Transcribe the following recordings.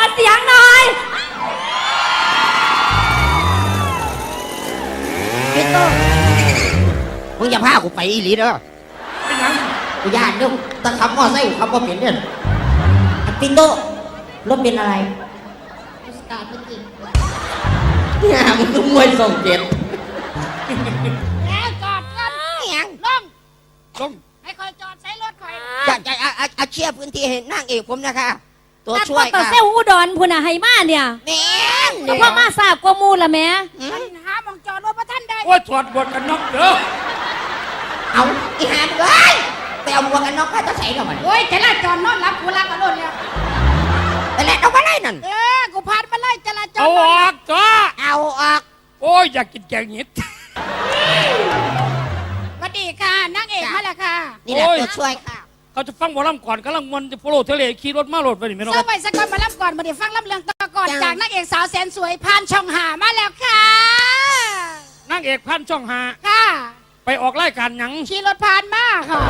เสียงหน่อยพี่โตมึงอย่าพากูไปอีหลีเด้อเป็นยังกูย่านเด้อตะขับมอไซค์กูขับบ่เป็นเนี่ยพี่โตรถเป็นอะไรสตาร์ทไม่ติดเนี่ยมึงต้องมวยส่งเจ็บแล้วจอดกันยังลงให้คอยจอดใช้รถคอยจะเชียร์พื้นที่ให้นางเอกผมนะคะตัวช่วยตัวค่ะเซลอุดรพุ่นน่ะให้มาเนี่ยแม่นเพราะว่ามาทราบกว่ามูละแม่มันหามองจอดรถพระท่านได้โอ้ยถอดบทกันน็อกเด้อเอาอีหานเลยไปเอาหมวกกันน็อกให้ตาใส่หน่อยโอ้ยจราจรนอนรับกูรักกันรถแล้วไปแล้วเอาไปเลยนั่นกูผ่านมาเลยจราจรเอาออกจ้าเอาออกโอ้ยอยากกินแกงเห็ดสวัสดีค่ะนางเอกมาแล้วค่ะนี่แหละตัวช่วยค่ะเขาจะฟังหมอลำก่อนกำลังมันจะโฟโล่ทะเลขี่รถมาโหลดไปนี่ไม่รู้เสื้อใบสกอตมารับก่อนมาเดี๋ยวฟังลำเรื่องต่อก่อนจากนางเอกสาวแสนสวยผ่านช่องหามาแล้วค่ะนางเอกพันช่องหาค่ะไปออกรายการหยังขี่รถผ่านมาค่ะ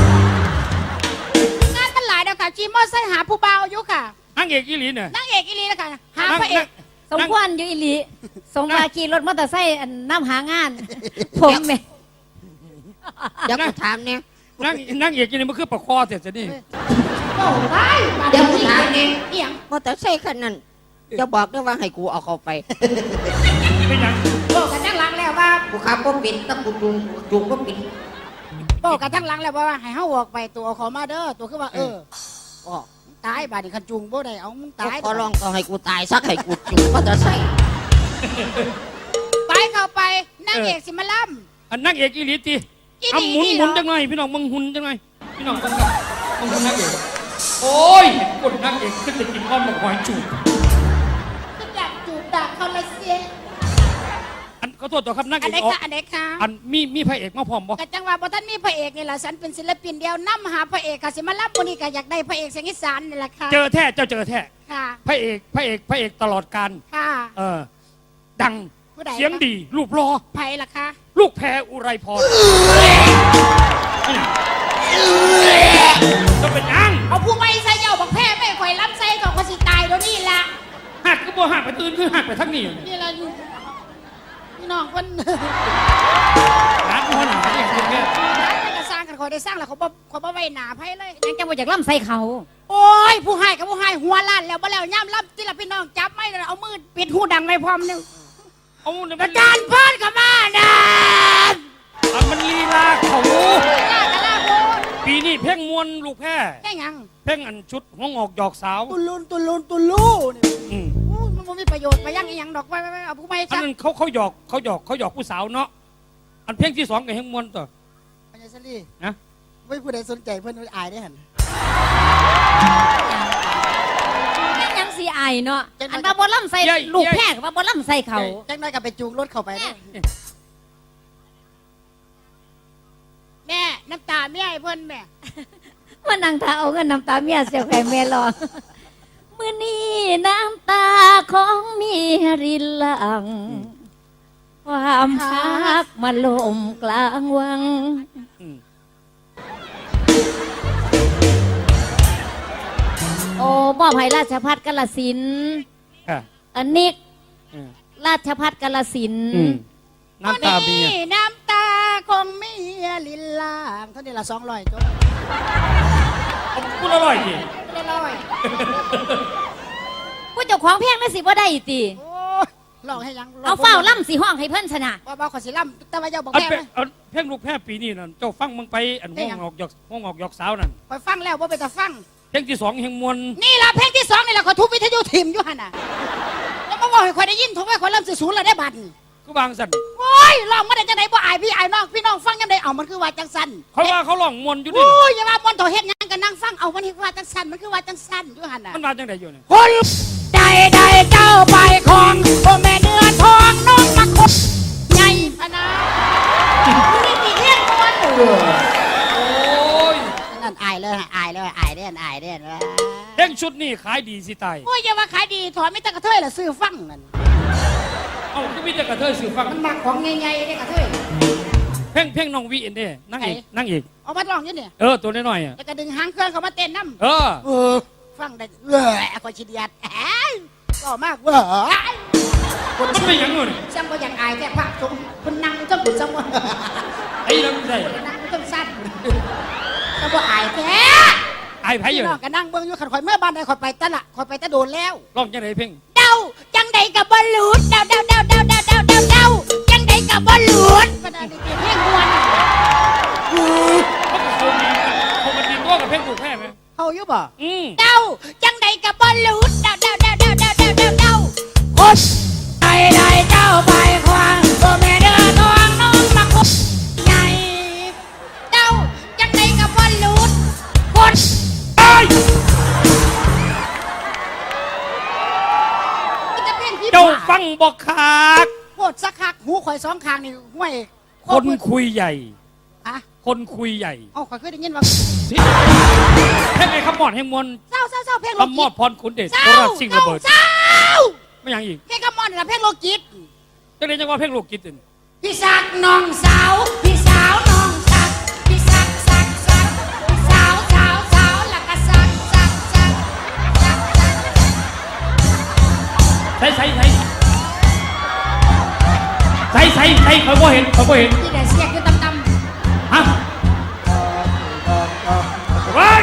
งานมันหลายเดียวค่ะขี่มอเตอร์ไซค์หาผู้เบาอยู่ค่ะนางเอกอีหลีเนี่ยนางเอกอีลีนะคะหาพระเอกสมควรอยู่อีหลีสมว่าขี่รถมอเตอร์ไซค์น้ำหางาน ผมแม่เดี๋ยวกูถามเนี่ยนางเอกอีนี่มันคือปะคอเสร็จจะนี่โอ้ได้เดี๋ยวกูถามเนี่ยเอียงมอเตอร์ไซค์คันนั้นจะบอกด้วยว่าให้กูเอาเข้าไปเป็นยังบอกกันทั้งหลังแล้วว่ากูขับก็ปิดถ้ากูจูงก็ปิดบอกกันทั้งหลังแล้วว่าให้เฮาออกไปตัวเอาเขามาเด้อตัวคือว่าออกตายบาดนี้คันจุงบ่ได้เอามึงตายขอลองก็ให้กูตายสักให้กูจูงมอเตอร์ไซค์ไปเข้าไปนางเอกสิมาล่อันนางเอกอีหลีตีอีหลีเอาหมุนอีหลีหมุนเหรอจังไงพี่น้องมึงหุ่นจังไงพี่น้องมึงหุ่นนางเอกโอ้ยเห็นคนนางเอกขึ้นจะกินข้าวหมกหอยจูบำคืออยากจูบดักเขาละเสียอันขอโทษต่อครับนางอัเอน กไหนออกคะอันไหนคะอันมีพระเอกมาพร้อมบ่กะจังว่าบ่ท่านมีพระเอกนี่ล่ะฉันเป็นศิลปินเดียวนํหาพระเอกค่ะสิมาล่ำมื้อนี้ก็อยากได้พระเอกเสียงอีสานนี่แหละค่ะเจอแท้เจ้าเจอแท้ค่ะพระเอกตลอดการค่ะดังผู้ใดเสียงดีรูปรอไผล่ะคะลูกแพรอุไรพรจะเป็นยังเอาผู้ไม่ใส่เหย้าบักแพ้ไม่ข่อยล้ำใส่ก็สิตายเดี๋ยวนี้ล่ะหักก็บ่หักไปตื่นคือหักไปทั้งนี้นี่ล่ะอยู่พี่น้องเพิ่นร้านหัวหนาอย่างเงี้ยได้ก็สร้างกันข่อยได้สร้างแล้วเขาบ่ไว้หน้าไผเลยยังจะมาจากล่ำใส่เขาโอ้ยผู้ให้กับผู้ให้หัวล้านแล้วบ่แล้วย่ำล้ำที่ละพี่น้องจับไม่เลยเอามือปิดหูดังไม่พร้อมนึงเอาเนี่ยอาจารย์พรก็มานะมันลีลาเขาลากะลาโบนปีนี้เพ่งมวนลูกแพรแค่หยังเพ่งอันชุดห้องออกหยอกสาวตุลุนนี่อืมมันบ่มีประโยชน์ไปยังอีหยังดอกไว้เอาผู้ไม่อันซักนั้นเขาหยอกผู้สาวเนาะอันเพ่งที่สองกับเฮงมวนต่อปัญญาสลีนะไม่ผู้ใดสนใจเพิ่นอายได้หั่นยังสีอายเนาะอันว่าบ่ล่ำใส่ลูกแพร่ว่าบ่ล่ำใส่เขาจังน้อยก็ไปจูงรถเข้าไปเด้อแม่น้ำตาแม่ให้เพิ่นแม่มานั่งท่าเอาเงินน้ำตาเมียเสียแผ่แม่รอมื้อนี้น้ำตาของเมียรินหลัง ความพักมาลมกลางวังอืมโอ้มอบให้ราชพัฒกาฬสินธุ์อ่ะอันนี้อืมราชพัฒกาฬสินธุ์อืมน้ำตาเมียน้ำตาของเมียลินลางเท่านี้ละ200จบพูดอร่อยดิเรียบร้อยผู้เจ้าของเพลงนั่นสิบ่ได้ติโอ้ยลองให้ยังเอาเฝ้าล่ำสีห้องให้เพิ่นชนะว่าขอสิล่ำแต่ว่าเจ้าบอกอันแม่เป็นอันเพ่งลูกแพรปีนี้นั่นเจ้าฟังมึงไปอันห้องออกหยอกสาวนั่นคอยฟังแล้วว่าไปแต่ฟังเพ่งที่สองเฮงมวนนี่ล่ะเพลงที่2นี่ล่ะขอทุบวิทยุทิมอยู่หั่นน่ะแล้วมาบอกให้คอยได้ยินทุกว่าคอยเริ่มสิศูนย์แล้วได้บัตรก็บางสันโอ้ยร้องมาได้จังไดบ่อายพี่อายน้องพี่น้องฟังยังไดเอามันคือว่าจังสันเขาว่าเขาร้องมวนอยู่นี่โอ้ยอย่าว่ามอนโถเฮ็ดหยังกันนั่งฟังเอามันคือว่าจังสันมันคือว่าจังสันอยู่หั่นน่ะมันมาจังไดอยู่เนี่ยคนใดใดเจ้าไปของโอแม่เนื้อทองน้องมาคบใหญ่พะนะนี่มีเรื่องมวนโอ้ยนั่นอายเลยอายเด่นเพ่งชุดนี่ขายดีสิตายโอ้ยอย่าว่าขายดีถอนไม่ตะกระเทยละซื้อฟังนั่นเอ้าก็มีแต่กระเทยสื่อฟังมันมักของใหญ่ๆได้กระเทยเพ่งน้องวีเอ็นเด้นั่งเอกเอามาลองอยู่เนี่ยตัวน้อยๆอ่ะแล้วก็ดึงหางเครื่องเขามาเต้นน้ำเออเออฟังได้คอยชิเดียดก็มากคนมันไม่ยังเงินซ้ำก็อยากอายแค่พักทุกคนนั่งต้องบุญซ้ำว่าไอ้เราไม่ได้นั่งต้องสั้นซ้ำก็อายแค่ไอ้ไผ่อยู่น้องก็นั่งเบิ่งอยู่ขันข่อยเมื่อบ้านใดข่อยไปตะละข่อยไปตะโดนแล้วร้องจังไหนเพ่งเดาจังใดกับบอลลูนเดาจังใดกับบอลลูนก็ได้เปลี่ยนเพลงมวนเขามันดีตัวกับเพ่งถูกแพ้ไหมเขาอยู่บ่เดาจังใดกับบอลลูนเดาโอ๊ยใดเจ้าไปควางตัวแม่เดือทองน้องมาคุกใหญ่เดาจังใดกับบอลลูนคนไอ้ เจ้าฟังบอกขาดโคตรสักคักหูข่อยสองข้างนี่ห้วยคนคุยใหญ่อะคนคุยใหญ่เอ้าข่อยเคยได้ยินว่าเพ่งไอ้คำมอดแห่งมวลเศร้าเพลงโลคำมอกิดตพรขุนเดชเศโคร้าราชสิ่งระเบิดเศร้าไม่ยังอีกเพลงกำมอนนี่ละเพลงโลกิตจังเลยจังว่าเพ่งโลกกิตตึงพี่สักน้องสาวพี่สาวน้องสักพี่สักพี่สาวแล้วก็สักใส่เขาบ่เห็นที่ได้เสียงอยู่ต่ำฮะเฮ้ย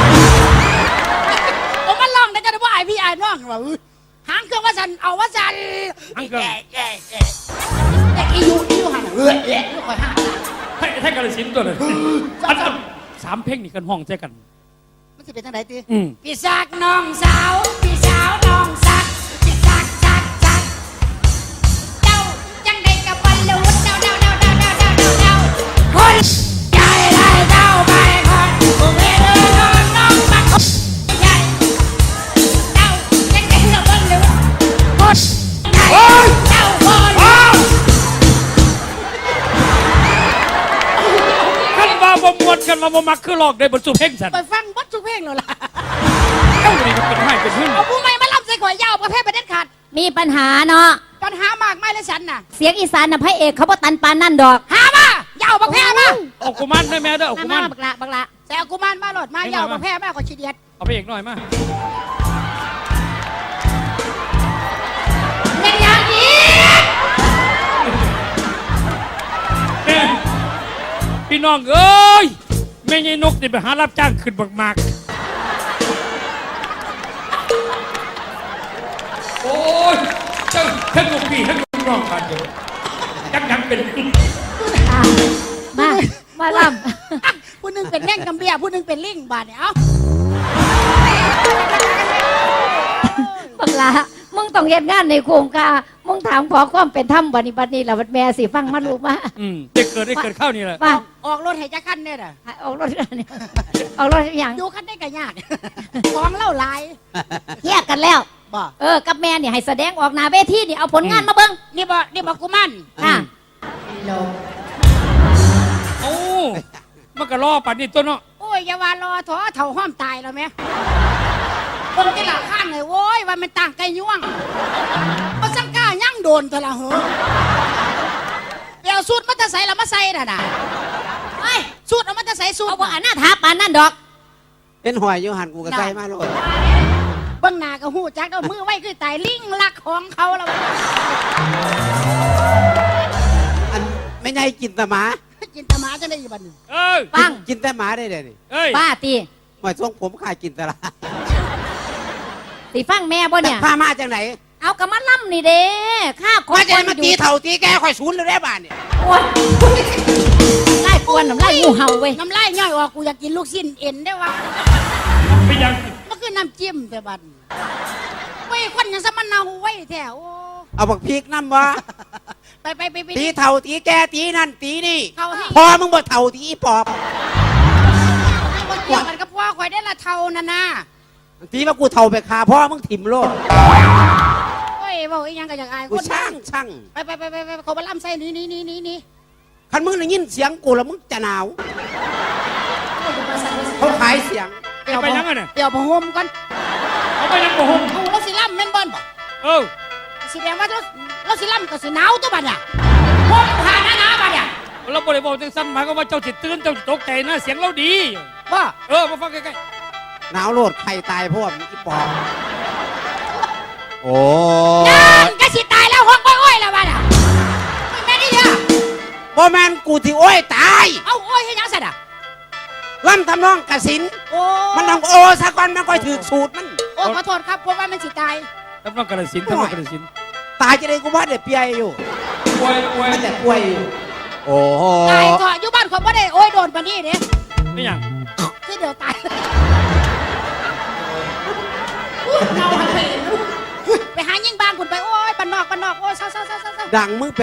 ๆผมมันร้องได้จะได้ว่าไอพี่ไอ้น้องว่าหางเครื่องว่าสันเอาว่าสันอังเกิลแต่อีอยู่หันอยู่คอยห้าให้กระสินตัวเลยอันสามเพลงนี่กันห้องใจกันมันจะเป็นทางไหนตีอืมพี่สักน้องสาวพี่สาวน้องสักพี่สักเจ้าจังได้กับบอลลูนเดาคนใหญ่ได้เจ้าไปคนผู้เพื่อนน้องมาคนใหญ่เจ้าจังได้กับบอลลูนคนใหญ่เจ้าบอลลูนกันว่าบ่มวนกันว่าบ่มักคือหลอกได้บรรจุเพลงสันไปฟังบัดทุกเพลงเลยล่ะเอ้านี่ก็เป็นให้เป็นหึ่งเอาผู้ไม่มาล่ำใส่ข่อยยาวประเภทประเด็นขาดมีปัญหาเนาะปัญหามากไม่เลยฉันน่ะเสียงอีสานน่ะพระเอกเขาบ่ตันปานนั่นดอกหามายาวประเภทมาเอากุมารได้แม่เด้อเอากุมารบักละแต่เอากุมารมาโหลดมายาวประเภทมาขอชีเดียดเอาไปเอกหน่อยมาเป็นอย่างนี้พี่น้องเอ้ยแม่ยายนกนี่ไปหารับจ้างขึ้นบักมากโอ้ยเจ้าทั้งลูกพี่ทั้งลูกน้องกันเดียวยังเป็นมาล่ผู้หนึงเป็นแง่งกำเบียผู้หนึงเป็นลิงบาดเนี่ยเอ้าำบักละมึงต้องเฮ็ดงานในโครงการมึงถามขอความเป็นธรรมบัดนี้ละบัดแม่สิฟังมาลูกมาได้เกิดข้าวนี่แหละมาออกรถให้จักคันเนี่ยน่ะออกรถนี่ออกรถอย่างดูคันได้ก็ยากของเล่าหลายแยกกันแล้วบ่กับแม่นี่ให้แสดงออกหน้าเวทีนี่เอาผลงานมาเบิ่งนี่บ่กุมารอ่ะโอ้มันก็ล่อปัดนี่ตัวเนาะโอ้ยอย่าว่ารอถอเถ่าห้อมตายแล้วแม่คนที่หลังข้างเลยโว้ยว่ามันต่างไก่ย่วงมาสังกายั่งโดนเถอะละเหรอเดี๋ยวสูตรมันจะใส่ละมาใส่น่ะไอ้สูตรเอามันจะใส่สูตรเอาบ่อันหน้าท้าปานนั่นดอกเป็นหอยอยู่หันกูก็ใส่มาโลดเบื้องหน้าก็หูจักเอามือไว้คือตายลิงลักของเขาแล้วอันไม่ใช่กินแต่หมากินตะหมาจะได้อยู่บัดนี้เอ้ยฟังกินแต่หมาได้เลยนี่เอ้ยป้าตีหอยทรงผมขายกินแต่ละสิฟังแม่บ่เนี่ยพามาจากไหนเอากระมัดล่ำนี่เด้ข้าขอมาจะมาตีเท่าตีแกข่อยศูนย์เลยได้บ้านเนี่ยโอ้ยไล่กวนน้ำไล่งูเห่าเว้ยน้ำลายย่อยออกกูอยากกินลูกชิ้นเอ็นได้วะไปยังมันคือน้ำจิ้มแต่บัดเว้ยคนยังสมันเนาไว้แถวเอาบักพริกน้ำวะไปตีเท่าตีแกตีนั่นตีนี่เขาให้พอมึงบ่เท่าตีอีปอบบ่เกี่ยวกันกับพ่อข่อยได้ละเท่านั่นนะตีว่ากูเท่าไปคาพ่อมึงถิ่มโลดเว้ยบอกอีหยังก็อยากอายกูคนช่างช่างไปเขามาล่ำใส่นี่คันมึงได้ยินเสียงกูแล้วมึงจะหนาวเขาขายเสียงไปยังไงเนี่ยเดี๋ยวพะหมก่อนเอาไปยังบ่หงเอาเราสิล่ำแม่นบอลบ่เออสิแดงว่าเราสิล่ำก็สิหนาวตัวบัดเนี่ยห่มผ้าหนาๆบัดเนี่ยเราบริบอกจังสั้นหมายก็ว่าเจ้าจิตตื่นเจ้าตกใจนะเสียงเราดีว่าเออมาฟังใกล้หนาวโลดใครตายพวกอีปอบโอ้นั่นก็สิตายแล้วห้องอ้อยๆแล้วบ้าน่ะไม่แม่นี่เด้อบ่แมนกูที่โอ้ยตายเอาอ้อยให้ยังสัตว์อ่ะล่ำทำนองกสินโอ้มันต้องโอซะก่อนมันค่อยถือสูตรมันโอ้ขอโทษครับเพราะว่ามันสิตายทำนองกระสินทำนองกระสินตายจะได้กูว่าเด็ดเปียอยู่ป่วยป่วยมันแต่ป่วยอยู่โอ้โหตายเถอะอยู่บ้านคนบ่ได้โอ้ยโดนปานนี้เด้ไม่อย่างคือเดี๋ยวตายอุ๊ยเอาให้ไปหายิงบ้านคุณไปโอ้ยบ้านนอกโอ้ยเศร้าดังมึงไป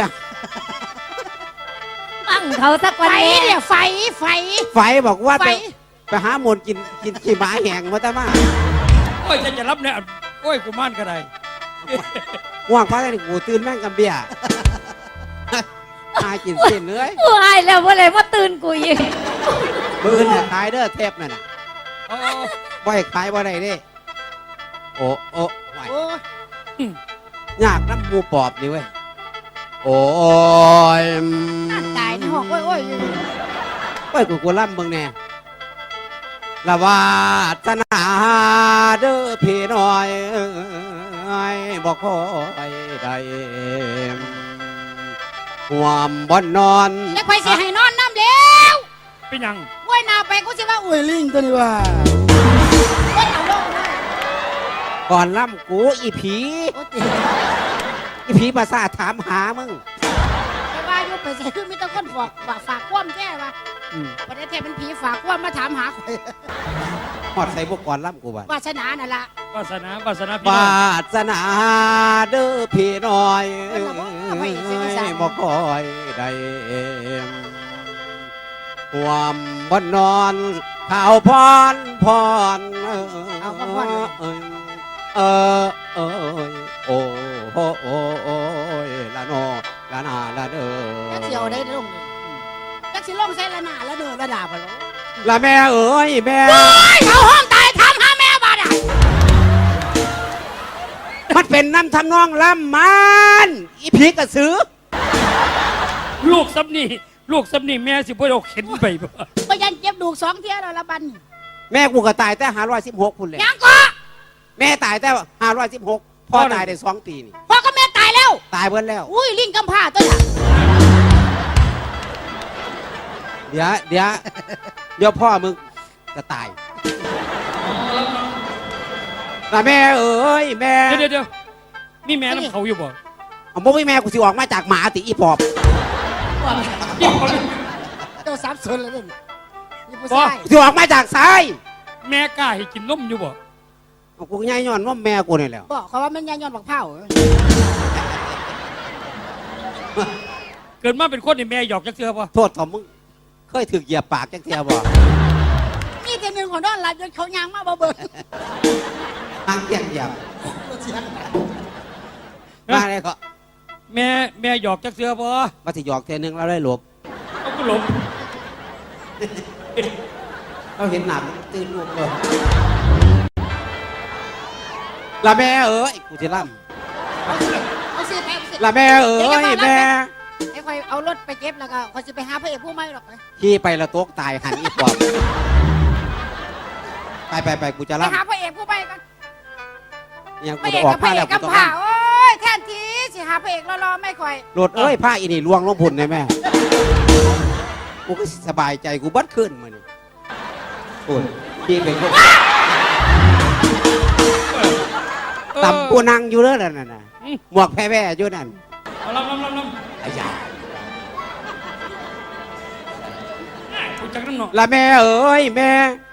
ตั้งเขาสักไฟวันนี้เนี่ยไฟไฟบอกว่าไฟไปหาหมนกินขี้หมาแห้งมาแต่มาโอ้ยจะรับเนี่ยโอ้ยกูม่านก็ได้ว่างพักได้กูตื่นแม่งกับเบียร์ ตายกินเส้นเลยกูอายแล้วว่าอะไรว่าตื่นกูอีกมือเนี่ยขายเด้อเทปนั่นน่ะโอ้บ่ให้ขายบ่ได้เด้โอ้โอ้ไหวโอ้ยยากน้ำหมูปอบนี่เว้ยโอ้ยตายในห้องโอ้ยโอ้ยกูล่ำเบิ่งแน่ละวาสนาเด้อพี่น้อยบ่คอยได้ห่วมบ่นอนแล้วไฟสิให้นอนน้ำแล้วเป็นอย่างโอ้ยนาไปกูสิว่าอุ้ยลิงตัวนี้ว่าโอ้ยเอาลงเลยก่อนล่ำกูอีผีโอ้ยเจ๋อีผีภาษาทถามหามึงไปว่าอยู่ไปใส่คือมีแต่คนฝากความแท้ว่าอืมประเทศไทยเป็นผีฝากความมาถามหาข่อยหอดใส่พวกก่อนล่ำกูบ้านวาสนานั่นล่ะวาสนาพี่น้วาองสนาเด้อพี่น้อยบ่คอยได้ความบ่นอนข่าวพรเออโอ้โอ้ยละโนละนาละเด้อจักเสียวได้ลงเลยจักสิลงใส่ละหน้าละเด้อละดาบ่ล่ะละแม่เอ้ยแม่โอ้ยเขาห้องตายถามหาแม่บ้านอ่ะมันเป็นน้ำทำนองล่ำมันอีผีกระสือลูกซับนี่แม่สิบ่ได้เอาเข็นไปบ่บ่ยันเจ็บดูก2เที่ยแล้วละบัดนี้แม่กูก็ตายแต่516คุณเลยยังก็แม่ตายแต่516พ่อตายได้2 ปีนี่พ่อกับแม่ตายแล้วตายเบิ้แล้วอุ้ยลิงกำพร้าตัวน่ะเดี๋ยวพ่อมึงจะตายแต่แม่เอ้ยแม่เดี๋ยวมีแม่น้ำเขาอยู่บ่เอาบ่มีแม่กูสิออกมาจากหมาติอีปอบยิ่งเขาเลยเจ้าสับสนแล้วนี่นี่ผู้บ่ชายสิออกมาจากซ้ายแม่กล้าให้กินนมอยู่บ่เอากูง่ายย้อนว่าแม่กูนี่แหละบอกเขาว่ามันยายย้อนบักเผาเกิดมาเป็นคนนี่แม่หยอกจักเทื่อบ่โทษทอมมึงเคยถึกเหยียบปากจังเทียบ่นี่แต่หนึ่งของนอนหลับจนเขายางมาบ่เบิ่งทางเหยียบมาเลยก็แม่หยอกจักเทื่อบ่มาสิหยอกเทียนึงแล้วได้หลบเอาก็หลบเราเห็นหนามตื่นลูกเลยละแม่เอ้ยกูจะล่เอาสิไปเอาสิำละแม่เอ้ยแม่ไอ้คอยเอารถไปเก็บแล้วก็คอยสิไปหาพระเอกผู้ใหม่หรอกไปขี่ไปละตกตายหันอีปอบไปกูจะไปล่ำหาพระเอกผู้ใหม่กันยังพกูระเอจะกออกักบพมาระเอแล้กวกักูบต้องผ่าล่ำโอ้ยแทนทีสิหาพระเอกรอๆไม่ค่อยรถเอ้ยผ้าอีนี่ลวงลงพุ่นเลยแม่กูก็สบายใจกูบัดขึ้นมานี่โอ้ยขี่เป็นคนต่ำกูนั่งอยู่เด้อนั่นน่ะหมวกแพ้ๆอยู่นั่นเอาลำไอ้ยากูจักน้ำเนาะละแม่เอ้ยแม่